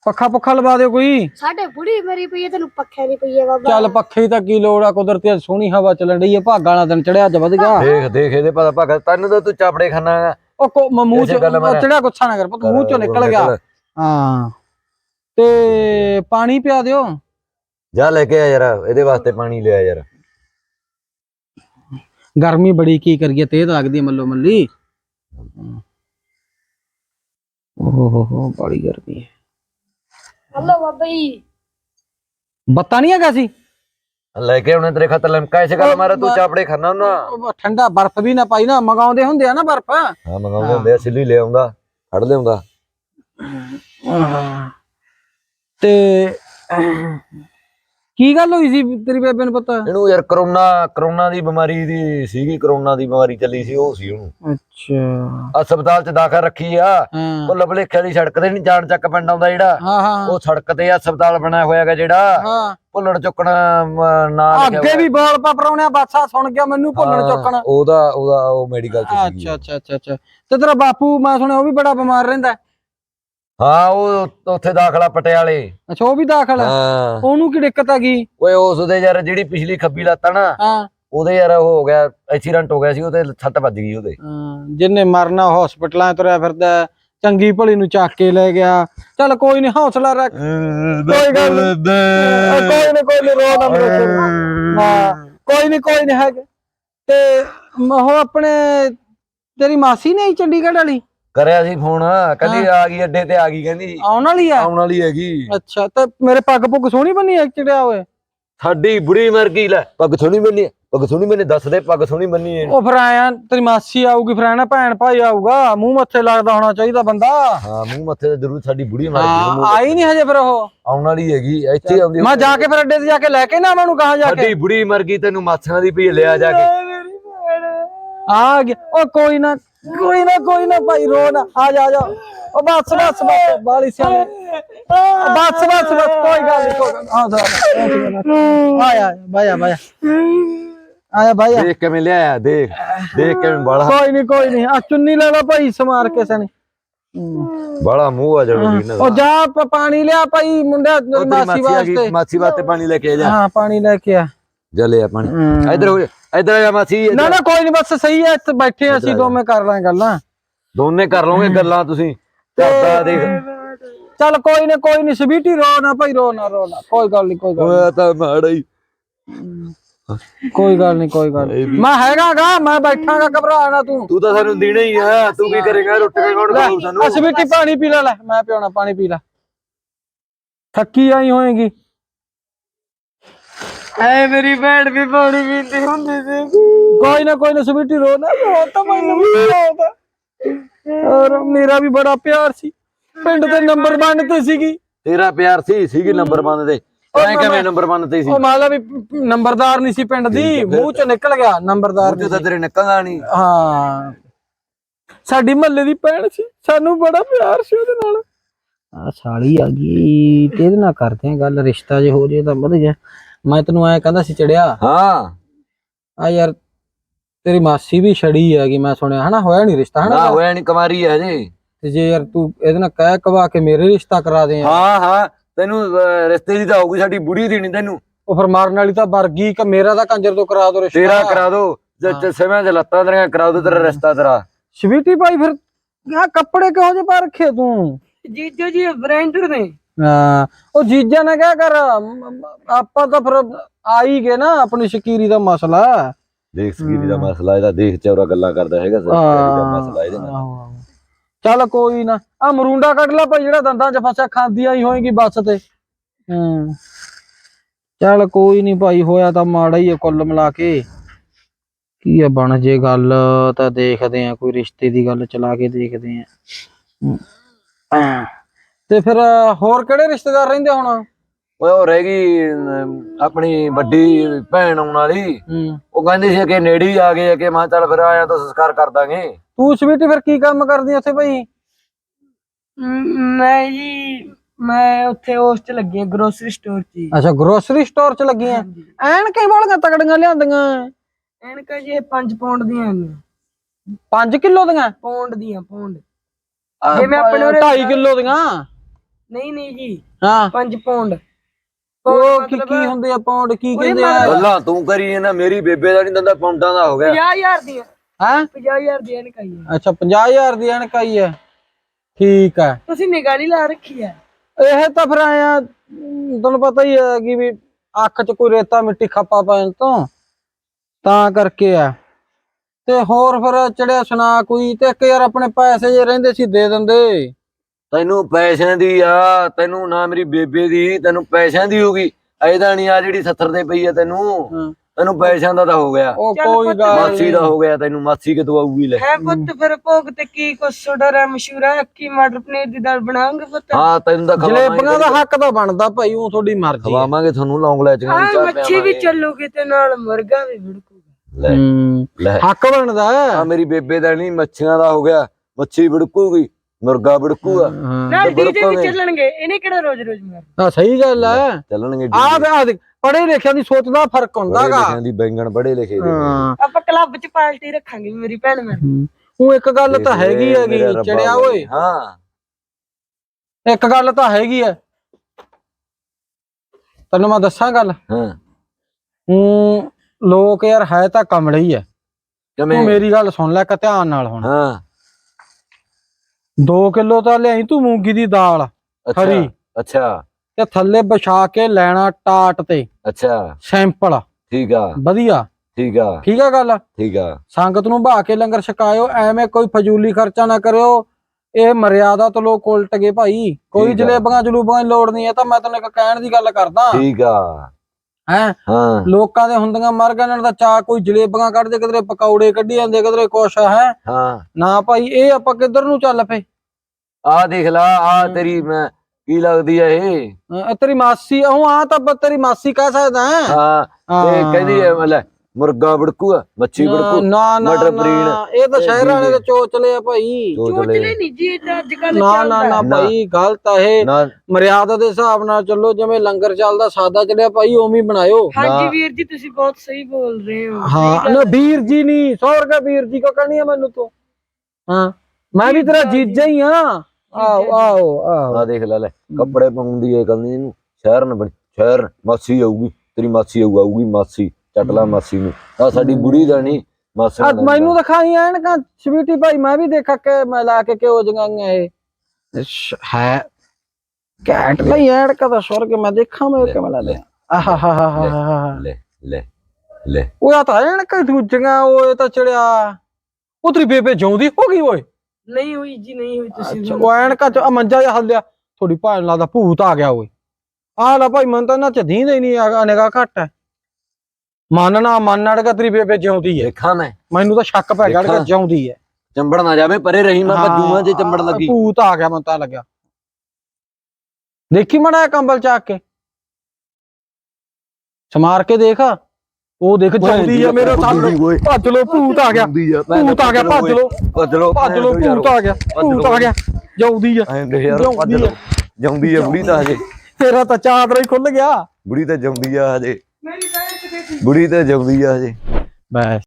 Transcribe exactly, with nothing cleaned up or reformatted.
ਪੱਖਾ ਪੁੱਖਾ ਲਵਾ ਦਿਓ ਕੋਈ। ਸਾਡੇ ਬੁੜੀ ਮਰੀ ਪਈ ਹੈ ਤੈਨੂੰ ਪੱਖੇ ਨਹੀਂ ਪਈ ਹੈ ਬਾਬਾ। ਚੱਲ ਪੱਖੇ ਤਾਂ ਕੀ ਲੋੜ ਆ, ਕੁਦਰਤੀ ਸੋਹਣੀ ਹਵਾ ਚੱਲਣ ਡਈ ਆ, ਭਾਗਾਂ ਵਾਲਾ ਦਿਨ ਚੜਿਆ ਅੱਜ ਵਧ ਗਿਆ। ਦੇਖ ਦੇਖ ਇਹਦੇ ਪਤਾ ਭਾਗਾ ਤੈਨੂੰ ਤਾਂ ਤੂੰ ਚਾਪੜੇ ਖਾਣਾ। ਉਹ ਮੂੰਹ ਚ ਚੜਿਆ, ਗੁੱਸਾ ਨਾ ਕਰ ਪੁੱਤ, ਮੂੰਹ ਚੋਂ ਨਿਕਲ ਗਿਆ। ਹਾਂ ਤੇ ਪਾਣੀ ਪਿਆ ਦਿਓ। ਜਾ ਲੈ ਕੇ ਆ ਯਾਰ, ਇਹਦੇ ਵਾਸਤੇ ਪਾਣੀ ਲਿਆ ਯਾਰ। ਗਰਮੀ ਬੜੀ, ਕੀ ਕਰੀਏ, ਤੇਜ਼ ਲੱਗਦੀ ਮੱਲੋ ਮੱਲੀ। ਓਹ ਹੋ ਬੜੀ ਗਰਮੀ ਹੈ। ਹਲੋ ਬਾਬਾ ਜੀ, ਬੱਤਾ ਨਹੀਂ ਹੈਗਾ ਸੀ ਲੈ ਕੇ ਉਹਨੇ ਤੇਰੇ ਖਾਤਰ ਲਮਕਾ ਇਸ ਗੱਲ ਮਾਰਾ ਤੂੰ ਚਾਪੜੇ ਖਾਣਾ ਉਹਨਾਂ। ਠੰਡਾ ਬਰਫ ਵੀ ਨਾ ਪਾਈ ਨਾ, ਮੰਗਾਉਂਦੇ ਹੁੰਦੇ ਆ ਨਾ ਬਰਫ। ਹਾਂ ਮੰਗਾਉਂਦੇ ਹੁੰਦੇ ਆ, ਸਿੱਲੀ ਲੈ ਆਉਂਦਾ, ਫੜ ਲਿਆਉਂਦਾ। ਤੇ ਕੀ ਗੱਲ ਹੋਈ ਸੀ ਤੇਰੀ ਬੇਬੇ ਨੂੰ ਪਤਾ? ਇਹਨੂੰ ਯਾਰ ਕਰੋਨਾ ਕਰੋਨਾ ਦੀ ਬਿਮਾਰੀ ਦੀ ਸੀਗੀ, ਕਰੋਨਾ ਦੀ ਬਿਮਾਰੀ ਚੱਲੀ ਸੀ, ਉਹ ਸੀ ਉਹਨੂੰ। ਅੱਛਾ ਹਸਪਤਾਲ ਚ ਦਾਖਲ ਰੱਖੀ ਆ। ਉਹ ਲਬਲੇਖਿਆ ਦੀ ਸੜਕ ਤੇ ਨਹੀਂ ਜਾਣ ਚੱਕ ਪਿੰਡ ਆਉਂਦਾ ਜਿਹੜਾ, ਉਹ ਸੜਕ ਤੇ ਹਸਪਤਾਲ ਬਣਿਆ ਹੋਇਆ ਗਾ ਜਿਹੜਾ, ਭੁੱਲਣ ਚੁੱਕਣਾ ਨਾਂ ਅੱਗੇ ਵੀ ਬੋਲ ਪਾ ਪਰਾਉਣਿਆ ਬਾਦਸ਼ਾਹ ਸੁਣ ਗਿਆ ਮੈਨੂੰ, ਭੁੱਲਣ ਚੁੱਕਣਾ ਉਹਦਾ ਉਹਦਾ ਉਹ ਮੈਡੀਕਲ ਚ ਸੀ। ਅੱਛਾ ਅੱਛਾ ਅੱਛਾ ਅੱਛਾ। ਤੇ ਤੇਰਾ ਬਾਪੂ ਮੈਂ ਸੁਣਿਆ ਉਹ ਵੀ ਬੜਾ ਬਿਮਾਰ ਰਹਿੰਦਾ। ਹਾਂ ਉਹ ਉੱਥੇ ਦਾਖਲਾ ਪਟਿਆਲੇ। ਅੱਛਾ ਉਹ ਵੀ ਦਾਖਲ ਹੈ, ਉਹਨੂੰ ਕੀ ਦਿੱਕਤ ਆ ਗਈ? ਓਏ ਉਸ ਦੇ ਯਾਰ ਜਿਹੜੀ ਪਿਛਲੀ ਖੱਬੀ ਲੱਤ ਆ ਨਾ, ਉਹਦੇ ਯਾਰ ਉਹ ਹੋ ਗਿਆ, ਐਕਸੀਡੈਂਟ ਹੋ ਗਿਆ ਸੀ, ਉਹਦੇ ਸੱਟ ਵੱਜ ਗਈ ਉਹਦੇ। ਜਿੰਨੇ ਮਰਨਾ ਹਸਪਤਾਲਾਂ ਤੁਰਿਆ ਫਿਰਦਾ, ਚੰਗੀ ਭਲੀ ਨੂੰ ਚੱਕ ਕੇ ਲੈ ਗਿਆ। ਚੱਲ ਕੋਈ ਨੀ, ਹੌਸਲਾ ਰੱਖ, ਕੋਈ ਗੱਲ ਨੀ, ਕੋਈ ਨੀ ਕੋਈ ਨੀ, ਰੋ ਨਾ। ਹਾਂ ਕੋਈ ਨੀ ਕੋਈ ਨੀ ਹੈਗੇ। ਤੇ ਉਹ ਆਪਣੇ ਤੇਰੀ ਮਾਸੀ ਨੇ ਚੰਡੀਗੜ੍ਹ ਵਾਲੀ ਕਰਿਆ ਸੀ ਫੋਨ, ਕਹਿੰਦੀ ਆ ਗਈ ਅੱਡੇ ਤੇ, ਆ ਗਈ ਕਹਿੰਦੀ ਆਉਣ ਵਾਲੀ ਆ, ਆਉਣ ਵਾਲੀ ਹੈਗੀ। ਅੱਛਾ ਤੇ ਮੇਰੇ ਪੱਗ ਪੁੱਗ ਸੋਹਣੀ ਬਣੀ ਐ ਚੜਿਆ ਹੋਏ? ਸਾਡੀ ਬੁੜੀ ਮਰ ਗਈ, ਲੈ ਪੱਗ ਸੋਹਣੀ ਬੰਨੀ, ਪੱਗ ਸੋਹਣੀ ਬੰਨੀ, ਦੱਸ ਦੇ ਪੱਗ ਸੋਹਣੀ ਬੰਨੀ ਹੈ। ਉਹ ਫਿਰ ਆਇਆ ਤੇਰੀ ਮਾਸੀ ਆਊਗੀ, ਫਿਰ ਆਣਾ ਭੈਣ ਭਾਈ ਆਊਗਾ, ਮੂੰਹ ਮੱਥੇ ਲੱਗਦਾ ਹੋਣਾ ਚਾਹੀਦਾ ਬੰਦਾ। ਹਾਂ ਮੂੰਹ ਮੱਥੇ ਤੇ ਜ਼ਰੂਰ, ਸਾਡੀ ਬੁੜੀ ਮਰ ਗਈ, ਆਈ ਨਹੀਂ ਹਜੇ ਫਿਰ ਉਹ ਆਉਣ ਵਾਲੀ ਹੈਗੀ, ਇੱਥੇ ਆਉਂਦੀ। ਮੈਂ ਜਾ ਕੇ ਫਿਰ ਅੱਡੇ ਤੇ ਜਾ ਕੇ ਲੈ ਕੇ ਨਾ ਮੈਨੂੰ ਕਹਾਂ ਜਾ ਕੇ, ਸਾਡੀ ਬੁੜੀ ਮਰ ਗਈ, ਤੈਨੂੰ ਮਾਛਾਂ ਦੀ ਪੀ ਲਿਆ ਜਾ ਕੇ। ਆ ਗਿਆ ਉਹ, ਕੋਈ ਨਾ ਕੋਈ ਨਾ ਕੋਈ ਨਾ ਭਾਈ, ਰੋ ਨਾ, ਆ ਜਾ ਆ ਜਾ। ਉਹ ਬਸ ਬਸ ਬਸ ਬਾਲੀ ਸਿਆਣੇ, ਬਸ ਬਸ ਬਸ ਕੋਈ ਗੱਲ ਨਹੀਂ, ਕੋਈ ਗੱਲ ਆਇਆ ਬਾਇਆ ਬਾਇਆ ਆਇਆ ਬਾਇਆ। ਦੇਖ ਕਿਵੇਂ ਲਿਆਇਆ, ਦੇਖ ਦੇਖ ਕਿਵੇਂ ਬਾਲਾ। ਕੋਈ ਨਹੀਂ ਕੋਈ ਨਹੀਂ, ਆ ਚੁੰਨੀ ਲੈ ਲਾ ਭਾਈ ਸਮਾਰ ਕੇ ਸਣੇ, ਬਾਲਾ ਮੂੰਹ ਆ ਜਾਣਾ ਇਹਨਾਂ ਦਾ। ਉਹ ਜਾ ਪਾਣੀ ਲਿਆ ਭਾਈ ਮੁੰਡਿਆ, ਮੇਰੀ ਮਾਸੀ ਵਾਸਤੇ, ਮਾਸੀ ਵਾਸਤੇ ਪਾਣੀ ਲੈ ਕੇ ਆ ਜਾ। ਹਾਂ ਪਾਣੀ ਲੈ ਕੇ ਆ, ਜਾ ਲੈ ਆ ਪਾਣੀ। ਇੱਧਰ ਹੋ ਜਾ, ਇੱਧਰ ਆ ਜਾ ਮਾਸੀ। ਨਾ ਨਾ ਕੋਈ ਨਹੀਂ, ਬਸ ਸਹੀ ਹੈ, ਇੱਥੇ ਬੈਠੇ ਆ ਅਸੀਂ ਦੋਵੇਂ, ਕਰ ਲਾਂਗੇ ਗੱਲਾਂ, ਦੋਨੇ ਕਰ ਲਓਗੇ ਗੱਲਾਂ ਤੁਸੀਂ। ਕਰਦਾ ਦੇਖ, ਚੱਲ ਕੋਈ ਨਾ ਕੋਈ ਨਹੀਂ, ਸਵੀਟੀ ਰੋ ਨਾ ਭਾਈ, ਰੋ ਨਾ ਰੋ ਨਾ, ਕੋਈ ਗੱਲ ਨਹੀਂ ਕੋਈ ਗੱਲ ਹੋਇਆ ਤਾਂ ਮਾੜਾ ਹੀ, ਕੋਈ ਗੱਲ ਨਹੀਂ ਕੋਈ ਗੱਲ ਨੀ। ਮੈਂ ਹੈਗਾਗਾ, ਮੈਂ ਬੈਠਾਂਗਾ, ਘਬਰਾ ਨਾ ਤੂੰ। ਤੂੰ ਤਾਂ ਸਾਨੂੰ ਦੇਣਾ ਹੀ ਆ, ਤੂੰ ਕੀ ਕਰੇਗਾ, ਰੋਟੀ ਕੌਣ ਖਾਊ ਸਾਨੂੰ? ਸਵੀਟੀ ਪਾਣੀ ਪੀ ਲੈ, ਲੈ ਮੈਂ ਪਿਉਣਾ, ਪਾਣੀ ਪੀ ਲੈ, ਥੱਕੀ ਆਈ ਹੋਏਗੀ। ਐ ਮੇਰੀ ਭੈਣ ਵੀ ਪਾਣੀ ਪੀਂਦੀ ਹੁੰਦੀ ਸੀ। ਕੋਈ ਨਾ ਕੋਈ ਨਾ ਸਵੀਟੀ ਰੋ ਨਾ, ਰੋ ਤਾਂ ਮੈਨੂੰ ਵੀ ਰੋਦਾ, ਔਰ ਮੇਰਾ ਵੀ ਬੜਾ ਪਿਆਰ ਸੀ, ਪਿੰਡ ਦੇ ਨੰਬਰ ਵਨ ਤੇ ਸੀਗੀ। ਤੇਰਾ ਪਿਆਰ ਸੀ ਸੀਗੀ ਨੰਬਰ ਵਨ ਤੇ, ਐ ਕਿਵੇਂ ਨੰਬਰ ਵਨ ਤੇ ਸੀ? ਉਹ ਮਾਲਾ ਵੀ ਨੰਬਰਦਾਰ ਨਹੀਂ ਸੀ ਪਿੰਡ ਦੀ, ਮੂੰਹ ਚ ਨਿਕਲ ਗਿਆ ਨੰਬਰਦਾਰ। ਤੂੰ ਤਾਂ ਤੇਰੇ ਨਿਕਲਦਾ ਨਹੀਂ। ਹਾਂ ਸਾਡੀ ਮਹੱਲੇ ਦੀ ਭੈਣ ਸੀ, ਸਾਨੂੰ ਬੜਾ ਪਿਆਰ ਸੀ ਉਹਦੇ ਨਾਲ। ਆ ਸਾਲੀ ਆ ਗਈ, ਤੇ ਇਹਦੇ ਨਾਲ ਕਰਦੇ ਆ ਗੱਲ, ਰਿਸ਼ਤਾ ਜੇ ਹੋ ਜੇ ਤਾਂ ਵਧੀਆ। ਮੈਂ ਤੈਨੂੰ ਐ ਕਹਿੰਦਾ ਸੀ ਚੜਿਆ, ਹਾਂ ਆ ਯਾਰ ਤੇਰੀ ਮਾਸੀ ਵੀ ਛੜੀ ਹੈਗੀ ਮੈਂ ਸੁਣਿਆ, ਹਨਾ? ਹੋਇਆ ਨੀ ਰਿਸ਼ਤਾ ਹਨਾ? ਹੋਇਆ ਨੀ, ਕੁਮਾਰੀ ਹੈ ਜੀ। ਤੇ ਜੇ ਯਾਰ ਤੂੰ ਇਹਦੇ ਨਾਲ ਕਹਿ ਕਵਾ ਕੇ ਮੇਰੇ ਰਿਸ਼ਤਾ ਕਰਾ ਦੇ। ਹਾਂ ਹਾਂ ਤੈਨੂੰ ਰਿਸ਼ਤੇ ਦੀ ਤਾਂ ਹੋਊਗੀ, ਸਾਡੀ ਬੁੜੀ ਦੀ ਨੀ ਤੈਨੂੰ। ਉਹ ਫਿਰ ਮਾਰਨ ਵਾਲੀ ਤਾਂ ਮਰ ਗਈ, ਕਿ ਮੇਰਾ ਤਾਂ ਕੰਜਰ ਤੋਂ ਕਰਾ ਦੋ ਰਿਸ਼ਤਾ। ਤੇਰਾ ਕਰਾ ਦੋ, ਜੇ ਸਮੇਂ ਚ ਲੱਤਾਂ ਤੇਰੀਆਂ ਕਰਾ ਦੋ, ਤੇਰਾ ਰਿਸ਼ਤਾ ਤੇਰਾ। ਸਵੀਟੀ ਭਾਈ ਫਿਰ ਆ ਕੱਪੜੇ ਕਿਹੋ ਜਿਹੇ ਪਾ ਰੱਖੇ ਤੂੰ? ਜੀਜੋ ਜੀ ਬ੍ਰਾਂਡਡ ਨੇ। ਹਾਂ ਉਹ ਜੀਜਾ ਨੇ ਕਿਆ ਕਰ, ਆਪਾਂ ਤਾਂ ਫਿਰ ਆਈ ਗਏ ਨਾ, ਆਪਣੀ ਸ਼ਕੀਰੀ ਦਾ ਮਸਲਾ। ਦੇਖ ਸਕੀਰੀ ਦਾ ਮਸਲਾ ਇਹਦਾ, ਦੇਖ ਚੌਰਾ ਗੱਲਾਂ ਕਰਦਾ ਹੈਗਾ, ਸਕੀਰੀ ਦਾ ਮਸਲਾ ਇਹਦੇ ਨਾਲ। ਚੱਲ ਕੋਈ ਨਾ, ਆ ਮਰੂੰਡਾ ਕੱਢ ਲਾ ਭਾਈ, ਜਿਹੜਾ ਦੰਦਾਂ ਚ ਫਸਿਆ, ਖਾਂਦੀ ਆਈ ਹੋਏਗੀ ਬੱਸ ਤੇ। ਹੂੰ ਚੱਲ ਕੋਈ ਨੀ ਭਾਈ, ਹੋਇਆ ਤਾਂ ਮਾੜਾ ਹੀ ਆ ਕੁੱਲ ਮਿਲਾ ਕੇ। ਕੀ ਆ ਬਣ ਜੇ ਗੱਲ ਤਾਂ ਦੇਖਦੇ ਆ, ਕੋਈ ਰਿਸ਼ਤੇ ਦੀ ਗੱਲ ਚਲਾ ਕੇ ਦੇਖਦੇ ਆ। ਤੇ ਫਿਰ ਹੋਰ ਕਿਹੜੇ ਰਿਸ਼ਤੇਦਾਰ ਰਹਿੰਦੇ ਹੁਣ? ਓਏ ਉਹ ਰਹਿ ਗਈ ਆਪਣੀ ਵੱਡੀ ਭੈਣ ਆਉਣ ਵਾਲੀ, ਉਹ ਕਹਿੰਦੀ ਸੀ ਕਿ ਨੇੜੇ ਹੀ ਆ ਗਏ, ਕਿ ਮੈਂ ਚੱਲ ਫਿਰ ਆਇਆ ਤਾਂ ਸੰਸਕਾਰ ਕਰ ਦਾਂਗੇ। ਤੂੰ ਸਵੀਟੀ ਫਿਰ ਕੀ ਕੰਮ ਕਰਦੀ ਉੱਥੇ ਭਾਈ? ਮੈਂ ਜੀ ਮੈਂ ਉੱਥੇ ਉਸ ਚ ਲੱਗੀ ਆ, ਗਰੋਸਰੀ ਸਟੋਰ ਚ। ਅੱਛਾ ਗਰੋਸਰੀ ਸਟੋਰ ਚ ਲੱਗੀ ਆ। ਐਨਕਾਂ ਵਾਲੀਆਂ ਤਗੜੀਆਂ ਲਿਆਂਦੀਆਂ? ਐਨਕਾਂ ਜੀ ਪੰਜ ਪੌਂਡ ਦੀਆਂ ਨੇ। ਪੰਜ ਕਿਲੋ ਦੀਆਂ? ਪੌਂਡ ਦੀਆਂ, ਪੌਂਡ। ਜਿਵੇਂ ਆਪਣੇ ਢਾਈ ਕਿਲੋ ਦੀਆਂ? ਨਹੀਂ ਨਹੀਂ ਜੀ ਹਾਂ ਪੰਜ ਪੌਂਡ ਉਹ ਕੀ ਕੀ ਹੁੰਦੇ ਆ ਪੌਂਡ ਕੀ ਕਹਿੰਦੇ ਆ ਗੱਲਾਂ ਤੂੰ ਕਰੀ ਨਾ ਮੇਰੀ ਬੇਬੇ ਦਾ ਨਹੀਂ ਦੰਦਾ ਪੌਂਡਾਂ ਦਾ ਹੋ ਗਿਆ ਪੰਜਾਹ ਹਜ਼ਾਰ ਦੀਆਂ ਹੈ ਪੰਜਾਹ ਹਜ਼ਾਰ ਦੀਆਂ ਐਨਕ ਆਈ ਹੈ। ਅੱਛਾ ਪੰਜਾਹ ਹਜ਼ਾਰ ਦੀ ਐਨਕ ਆਈ ਹੈ ਠੀਕ ਹੈ ਤੁਸੀਂ ਨਿਗਾਹ ਨਹੀਂ ਲਾ ਰੱਖੀ ਹੈ ਇਹ ਤਾਂ ਫਿਰ ਆਇਆ ਤੁਹਾਨੂੰ ਪਤਾ ਹੀ ਹੈ ਕਿ ਵੀ ਅੱਖ 'ਚ ਕੋਈ ਰੇਤਾ ਮਿੱਟੀ ਖੱਪਾ ਪੈਣ ਤੋਂ ਤਾਂ ਕਰਕੇ ਆ ਤੇ ਹੋਰ ਫਿਰ ਚੜਿਆ ਸੁਣਾ ਕੋਈ ਤੇ ਇੱਕ ਯਾਰ ਆਪਣੇ ਪੈਸੇ ਜੇ ਰਹਿੰਦੇ ਸੀ ਦੇ ਦਿੰਦੇ ਤੈਨੂੰ ਪੈਸਿਆਂ ਦੀ ਆ ਤੈਨੂੰ ਨਾ ਮੇਰੀ ਬੇਬੇ ਦੀ ਤੈਨੂੰ ਪੈਸਿਆਂ ਦੀ ਹੋਗੀ ਐਦਾ ਨਹੀਂ ਆ ਜਿਹੜੀ ਸੱਤਰ ਦੇ ਪਈ ਆ ਤੈਨੂੰ ਤੈਨੂੰ ਪੈਸਿਆਂ ਦਾ ਤਾਂ ਹੋ ਗਿਆ ਉਹ ਕੋਈ ਗੱਲ ਮਾਸੀ ਦਾ ਹੋ ਗਿਆ ਤੈਨੂੰ ਮਾਸੀ ਕਿਤੋਂ ਆਊਗੀ ਲੈ ਹੈ ਪੁੱਤ ਫਿਰ ਭੋਗ ਤੇ ਕੀ ਕੁਛ ਸੋਡਾ ਹੈ ਮਸ਼ਹੂਰ ਹੈ ਕੀ ਮਟਰ ਪਨੀਰ ਦੀ ਦਾਲ ਬਣਾਉਂਗੇ ਪੁੱਤ ਹਾਂ ਤੈਨੂੰ ਤਾਂ ਜਲੇਬੀਆਂ ਦਾ ਹੱਕ ਤਾਂ ਬਣਦਾ ਭਾਈ ਉਹ ਤੁਹਾਡੀ ਮਰਜ਼ੀ ਖਵਾਵਾਂਗੇ ਤੁਹਾਨੂੰ ਲੌਂਗ ਲੈ ਚ ਹਾਂ ਮੱਛੀ ਵੀ ਚੱਲੂਗੀ ਤੇ ਨਾਲ ਮੁਰਗਾ ਵੀ ਵਿੜਕੂਗਾ ਲੈ ਲੈ ਹੱਕ ਬਣਦਾ ਆ ਮੇਰੀ ਬੇਬੇ ਦਾ ਨਹੀਂ ਮੱਛੀਆਂ ਦਾ ਹੋ ਗਿਆ ਮੱਛੀ ਵਿੜਕੂਗੀ ਮੁਰਗਾ ਵਿੜਕੂਗਾ ਨਾਲ ਡੀਜੇ ਵੀ ਚੱਲਣਗੇ ਇਹਨੇ ਕਿਹੜਾ ਰੋਜ਼ ਰੋਜ਼ ਮਾਰ ਹਾਂ ਸਹੀ ਗੱਲ ਹੈ ਚੱਲਣਗੇ ਆ ਪੜੇ ਲਿਖਿਆਂ ਦੀ ਸੋਚ ਦਾ ਫਰਕ ਹੁੰਦਾਗਾ ਦੀ ਬੈਂਗਣ ਬੜੇ ਲਿਖੇ ਦੇ ਆਪਾਂ ਕਲੱਬ ਚ ਪਾਰਟੀ ਰੱਖਾਂਗੇ ਮੇਰੀ ਭੈਣ ਮੈਂ ਉਹ ਇੱਕ ਗੱਲ ਤਾਂ ਹੈਗੀ ਹੈਗੀ ਚੜਿਆ ਓਏ ਹਾਂ ਇੱਕ ਗੱਲ ਤਾਂ ਹੈਗੀ ਐ ਤੈਨੂੰ ਮੈਂ ਦੱਸਾਂ ਗੱਲ ਹਾਂ ਹੂੰ ਲੋਕ ਯਾਰ ਹੈ ਤਾਂ ਕਮਲੇ ਹੀ ਐ ਤੂੰ ਮੇਰੀ ਗੱਲ ਸੁਣ ਲੈ ਇੱਕ ਧਿਆਨ ਨਾਲ ਹੁਣ ਹਾਂ ਦੋ ਕਿਲੋ ਤਾਂ ਲਿਆਈ ਤੂੰ ਮੂੰਗੀ ਦੀ ਦਾਲ ਹਰੀ ਅੱਛਾ ਤੇ ਥੱਲੇ ਵਿਛਾ ਕੇ ਲੈਣਾ ਟਾਟ ਤੇ ਅੱਛਾ ਸੈਂਪਲ ਠੀਕ ਆ ਵਧੀਆ ਠੀਕ ਆ ਠੀਕ ਆ ਗੱਲ ਠੀਕ ਆ ਸੰਗਤ ਨੂੰ ਬਹਾ ਕੇ ਲੰਗਰ ਛਕਾਇਓ ਐਵੇਂ ਕੋਈ ਫਜ਼ੂਲੀ ਖਰਚਾ ਨਾ ਕਰਿਓ ਇਹ ਮਰਿਆਦਾ ਤੋਂ ਲੋਕ ਉਲਟ ਗਏ ਭਾਈ ਕੋਈ ਜਲੇਬੀਆਂ ਜਲੂਬੀਆਂ ਦੀ ਲੋੜ ਨਹੀਂ ਹੈ ਤਾਂ ਮੈਂ ਤੈਨੂੰ ਇੱਕ ਕਹਿਣ ਦੀ ਗੱਲ ਕਰਦਾ ਠੀਕ ਆ ਹੈ ਹਾਂ ਲੋਕਾਂ ਦੇ ਹੁੰਦੀਆਂ ਮਰ ਗਏ ਦਾ ਚਾਹ ਕੋਈ ਜਲੇਬੀਆਂ ਕੱਢਦੇ ਕਿਧਰੇ ਪਕੌੜੇ ਕੱਢੀ ਜਾਂਦੇ ਕਿਧਰੇ ਕੁਛ ਹੈ ਹਾਂ ਨਾ ਭਾਈ ਇਹ ਆਪਾਂ ਕਿੱਧਰ ਨੂੰ ਚੱਲ ਪਏ ਆ ਦੇਖ ਲਾ ਆ ਤੇਰੀ ਮੈਂ ਕੀ ਲੱਗਦੀ ਆ ਇਹ ਤੇਰੀ ਮਾਸੀ ਉਹ ਆ ਤਾਂ ਤੇਰੀ ਮਾਸੀ ਕਹਿ ਸਕਦਾ ਹੈ ਹਾਂ ਇਹ ਕਹਿੰਦੀ ਹੈ ਮਤਲਬ ਮੁਰਗਾ ਬੜਕੂਆ ਮੱਛੀ ਬੜਕੂ ਨਾ ਨਾ ਮਟਰ ਪਨੀਰ ਇਹ ਤਾਂ ਸ਼ਹਿਰਾਂ ਵਾਲੇ ਦੇ ਚੋਚਲੇ ਆ ਭਾਈ ਚੋਚਲੇ ਨਹੀਂ ਜੀ ਇਹ ਤਾਂ ਅੱਜ ਕੱਲ ਨਾ ਨਾ ਨਾ ਭਾਈ ਗਲਤ ਆ ਇਹ ਮਰਿਆਦਾ ਦੇ ਹਿਸਾਬ ਨਾਲ ਚੱਲੋ ਜਿਵੇਂ ਲੰਗਰ ਚੱਲਦਾ ਸਾਦਾ ਚੱਲਿਆ ਭਾਈ ਉਵੇਂ ਹੀ ਬਣਾਇਓ ਹਾਂਜੀ ਵੀਰ ਜੀ ਤੁਸੀਂ ਬਹੁਤ ਸਹੀ ਬੋਲ ਰਹੇ ਹੋ ਹਾਂ ਨਾ ਵੀਰ ਜੀ ਨਹੀਂ ਸੌ ਰੁਪਏ ਵੀਰ ਜੀ ਕੋ ਕਰਨੀ ਹੈ ਮੈਨੂੰ ਤੋਂ ਹਾਂ ਮੈਂ ਵੀ ਤੇਰਾ ਜੀਜਾ ਹੀ ਆ ਆਓ ਆਓ ਆਓ ਆ ਦੇਖ ਲੈ ਲੈ ਕੱਪੜੇ ਪਾਉਂਦੀ ਏ ਕੱਲ ਇਹਨੂੰ ਸ਼ਹਿਰ ਨਾ ਬਣੀ ਸ਼ਹਿਰ ਮਾਸੀ ਆਊਗੀ ਤੇਰੀ ਮਾਸੀ ਆਊ ਆਊਗੀ ਮਾਸੀ ਚੱਟਲਾ ਮਾਸੀ ਨੂੰ ਆ ਸਾਡੀ ਬੁੜੀ ਦਾ ਨਹੀਂ ਮਾਸੀ ਮੈਨੂੰ ਦਿਖਾਈ ਐਨਕਾਂ ਸਵੀਟੀ ਭਾਈ ਮੈਂ ਵੀ ਦੇਖਾ ਕਿ ਮੈਂ ਲਾ ਕੇ ਕਿਉਂ ਜਗਾਈਆਂ ਇਹ ਹੈ ਕੈਟ ਲਈ ਐਨਕਾਂ ਦਾ ਸੁਰ ਕੇ ਮੈਂ ਦੇਖਾਂ ਮੈਂ ਕਿਵੇਂ ਲਾ ਲਿਆ ਆਹਾ ਹਾ ਹਾ ਹਾ ਲੈ ਲੈ ਲੈ ਉਹ ਆ ਤਾਂ ਐਨਕਾਂ ਦੂਜੀਆਂ ਉਹ ਤਾਂ ਚੜਿਆ ਉਤਰੀ ਬੇਬੇ ਜਿਉਂਦੀ ਹੋ ਗਈ ਓਏ ਨਹੀਂ ਹੋਈ ਜੀ ਨਹੀਂ ਹੋਈ ਤੁਸੀਂ ਉਹ ਐਨਕਾਂ ਚ ਮੰਜਾ ਜਿਹਾ ਹੱਲਿਆ ਥੋੜੀ ਭਾਣ ਲੱਗਦਾ ਭੂਤ ਆ ਗਿਆ ਓਏ ਆ ਲੈ ਭਾਈ ਮਨ ਤਾਂ ਇਹਨਾਂ ਚ ਦੀਂਦਾ ਹੀ ਨਹੀਂ ਨਿਗਾਹ ਘੱਟ ਹੈ ਮੰਨਣਾ ਮੰਨ ਅੜਗਾ ਤੇਰੀ ਬੇਬੇ ਜਿਉਂਦੀ ਹੈ ਦੇਖਾਂ ਮੈਂ ਮੈਨੂੰ ਤਾਂ ਸ਼ੱਕ ਪੈ ਗਿਆ ਕਿ ਜਿਉਂਦੀ ਹੈ ਚੰਬੜ ਨਾ ਜਾਵੇ ਪਰੇ ਰਹੀ ਮੈਂ ਜੂਆਂ ਚ ਚੰਬੜ ਲੱਗੀ ਭੂਤ ਆ ਗਿਆ ਮੈਨੂੰ ਤਾਂ ਲੱਗਿਆ ਦੇਖੀ ਮੜਾ ਕੰਬਲ ਚੱਕ ਕੇ ਸਮਾਰ ਕੇ ਦੇਖ ਉਹ ਦੇਖ ਜਿਉਂਦੀ ਆ ਮੇਰੇ ਸਾਹਮਣੇ ਭੱਜ ਲੋ ਭੂਤ ਆ ਗਿਆ ਭੂਤ ਆ ਗਿਆ ਭੱਜ ਲੋ ਭੱਜ ਲੋ ਭੱਜ ਲੋ ਭੂਤ ਆ ਗਿਆ ਭੂਤ ਆ ਗਿਆ ਜਿਉਂਦੀ ਆ ਜਿਉਂਦੀ ਆ ਜਿਉਂਦੀ ਆ ਬੁੜੀ ਤਾਂ ਹਜੇ ਤੇਰਾ ਤਾਂ ਚਾਦਰਾ ਹੀ ਖੁੱਲ ਗਿਆ ਬੁੜੀ ਤਾਂ ਜਿਉਂਦੀ ਆ ਹਜੇ ਮੇਰੀ ਭੈਣ ਤੇ ਬੁੜੀ ਤਾਂ ਜਿਉਂਦੀ ਆ ਹਜੇ ਬਸ